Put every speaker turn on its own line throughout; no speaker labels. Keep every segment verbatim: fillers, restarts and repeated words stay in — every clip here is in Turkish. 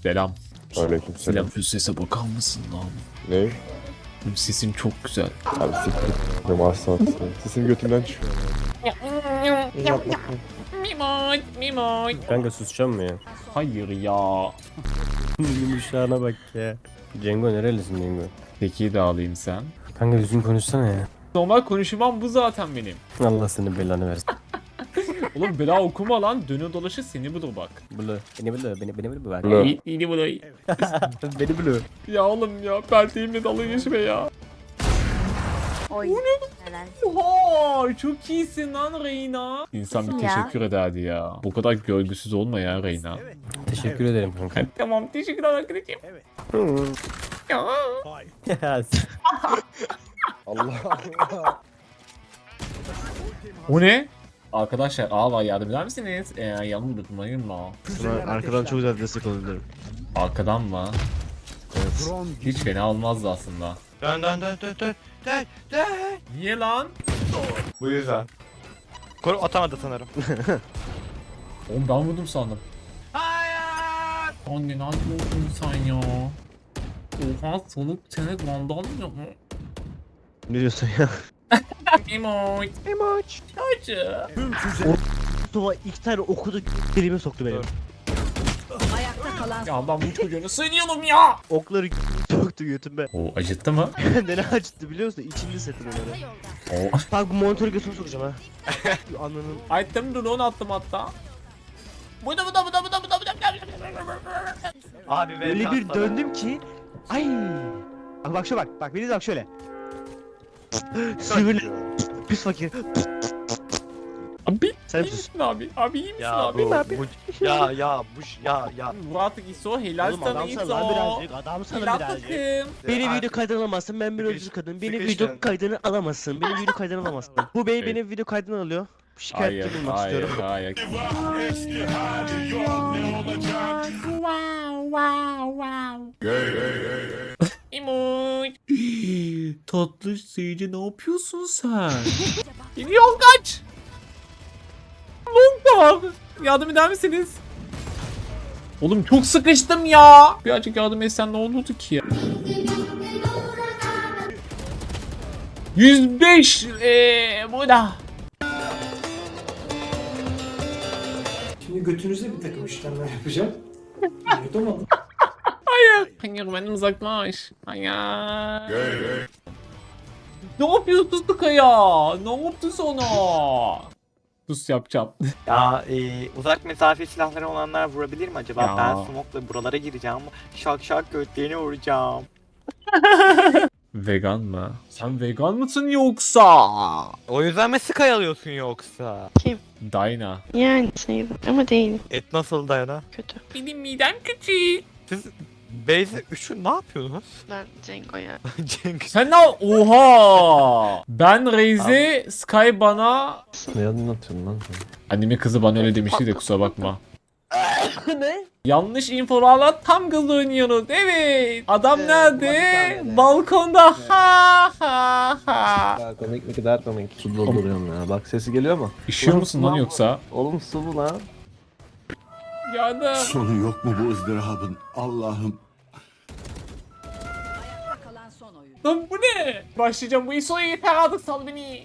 Selam.
Aleykümselam.
Selam. Şu sese bakar mısın lan?
Ne?
Sesin çok güzel.
Abi siktir. Benim aslansın. Sesim götümden çıkıyor.
Mimoy, mimoy.
Kanka susacağım mı ya?
Hayır ya.
Yumuşağına bak ya. Cengo nerelisin Cengo?
Peki de alayım sen.
Kanka düzgün konuşsana ya.
Normal konuşmam bu zaten benim.
Allah senin belanı versin.
Oğlum bela okuma lan. Dönü dolaşır seni bulur bak.
Bulu. Beni bulu. Beni, beni bulu bak.
Bulu.
İyi, iyi bulur.
Beni bulu.
Ya oğlum ya. Pelteğimle dalga geçme ya.
Oy. Neler?
Oha, çok iyisin lan Reyna. İnsan bir
Ya.
teşekkür ederdi ya. Bu kadar görgüsüz olma ya Reyna.
Teşekkür ederim kanka.
Tamam, teşekkürler arkadaşım. Ya.
Ya,
Allah Allah.
O ne? Arkadaşlar A var, yardım eder misiniz? Ee, yanımı unutmayın mı?
Arkadan çok güzel destek olabilirim.
Arkadan mı?
Evet.
Hiç fena olmazdı aslında.
Dön dön dön dön dön dön dön.
Niye lan?
Bu yüzden. Koru atamadı sanırım.
Oğlum ben vurdum sandım.
Hayır.
Anne ne yapıyorsun sen ya? Oha, soluk seni vandal mı?
Ne diyorsun ya?
Emoç.
Emoç.
Çocuğu.
Mustafa iki tane okudu dilime soktu benim.
Ayakta kalan
Ya ben bu çocuğunu söylüyorum ya.
Okları soktu götüme.
O acıttı mı?
Ne acıttı biliyor musun? İçinde setim onları.
O.
Bak bu monitörü götüme sokacağım ha. Ananın.
Attım drone attım hatta. Bu da bu da bu da bu da bu da bu da.
Abi ben
Öyle bir
atladım.
döndüm ki. Ay. Bak bak şöyle bak. Bak beni de bak şöyle. Sivri. Pis fakir.
Abi
Sen
iyi
sus.
misin abi? Abi iyi misin
Ya
abi?
bu, bu ya ya bu ya ya.
Murat İso helal
Oğlum
sana
adam sana
İso.
lan birazcık. Adam sana
Helal
birazcık.
takım.
Beni
Ay-
video kaydına alamazsın. Ben bir
Sıkış-
öldürsün kadın. Beni
sıkıştın.
video kaydını alamazsın. Beni video kaydına alamazsın. Bu bey beni video kaydına alıyor. Şikayetçi
Hayır,
bulmak
hayır,
istiyorum.
hayır. Wow, wow, wow. İmoy. Tatlı seyirci ne yapıyorsun sen? Gidiyor kaç. Long yardım eder misiniz? Oğlum çok sıkıştım ya. Birazcık yardım etsen ne olurdu ki ya? yüz beş eee burada.
Şimdi götünüzde bir takım işlemler yapacağım. Yutamadım.
Hayır. Hayır benden uzaklaş. Hayır. Ne yapıyorsun Tıkaya? Ne yaptı sana? Sus yapacağım.
Ya e, uzak mesafe silahları olanlar vurabilir mi acaba?
Ya.
Ben smoke'la buralara gireceğim. Şak şak götlerini vuracağım.
Vegan mı? Sen vegan mısın yoksa?
O yüzden mi Sky alıyorsun yoksa?
Dayna.
Yani sayılır ama değil.
Et nasıl dayana?
Kötü.
Benim midem küçük.
Siz Beyze üçü ne yapıyorsunuz?
Ben Cengo'ya.
Cenk.
Sen ne? Oha! Ben Reize, Sky bana...
Ne anlatıyorsun lan sen?
Annemin kızı bana öyle demişti de kusura bakma.
Ne?
Yanlış infolarla tam gaz oynuyoruz. Evet. Adam
Evet,
nerede?
ulan bir tane.
Balkonda. Ha ha ha.
Ya komik ne kadar komik. Su dolduruyorum ya. Bak sesi geliyor mu?
İşiyor
Oğlum,
musun lan
lan-
yoksa?
Oğlum su bu lan.
Yardım.
Sonu yok mu bu ızdırabın? Allah'ım.
ayakta kalan son oyun.
Lan bu ne? Başlayacağım bu İso'ya yeter artık sal beni.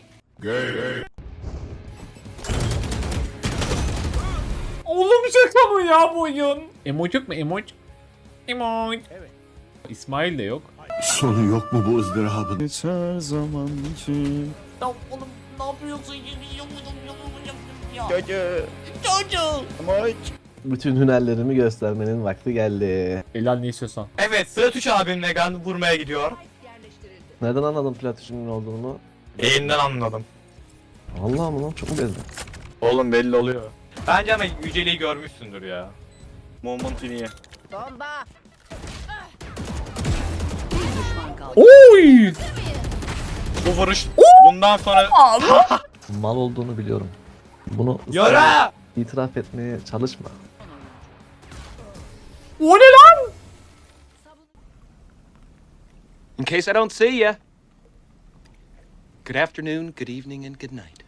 Oğlum şaka mı ya bu oyun? Emoji yok mu emoji? Emoji. Evet. İsmail de yok.
Sonu yok mu bu ızdırabın?
Geçer zaman için.
Lan oğlum ne yapıyorsun? Ya.
Çocuğu.
Çocuğum.
Emoç.
Bütün hünerlerimi göstermenin vakti geldi.
Elal ne istiyorsan.
Evet Sıratüç abim Megan vurmaya gidiyor.
Yerleştirildi.
Nereden anladın platişinin olduğunu?
Yayından anladım.
Allah mı lan çok mu bezdin?
Oğlum belli oluyor. Bence ama Yüceli'yi görmüşsündür ya. Moment niye?
Bomba. Bir düşman kaldı.
Oy!
Bu vuruş bundan sonra...
Mal olduğunu biliyorum. Bunu
Yara!
itiraf etmeye çalışma.
O ne lan?
In case I don't see ya. Good afternoon, good evening, and good night.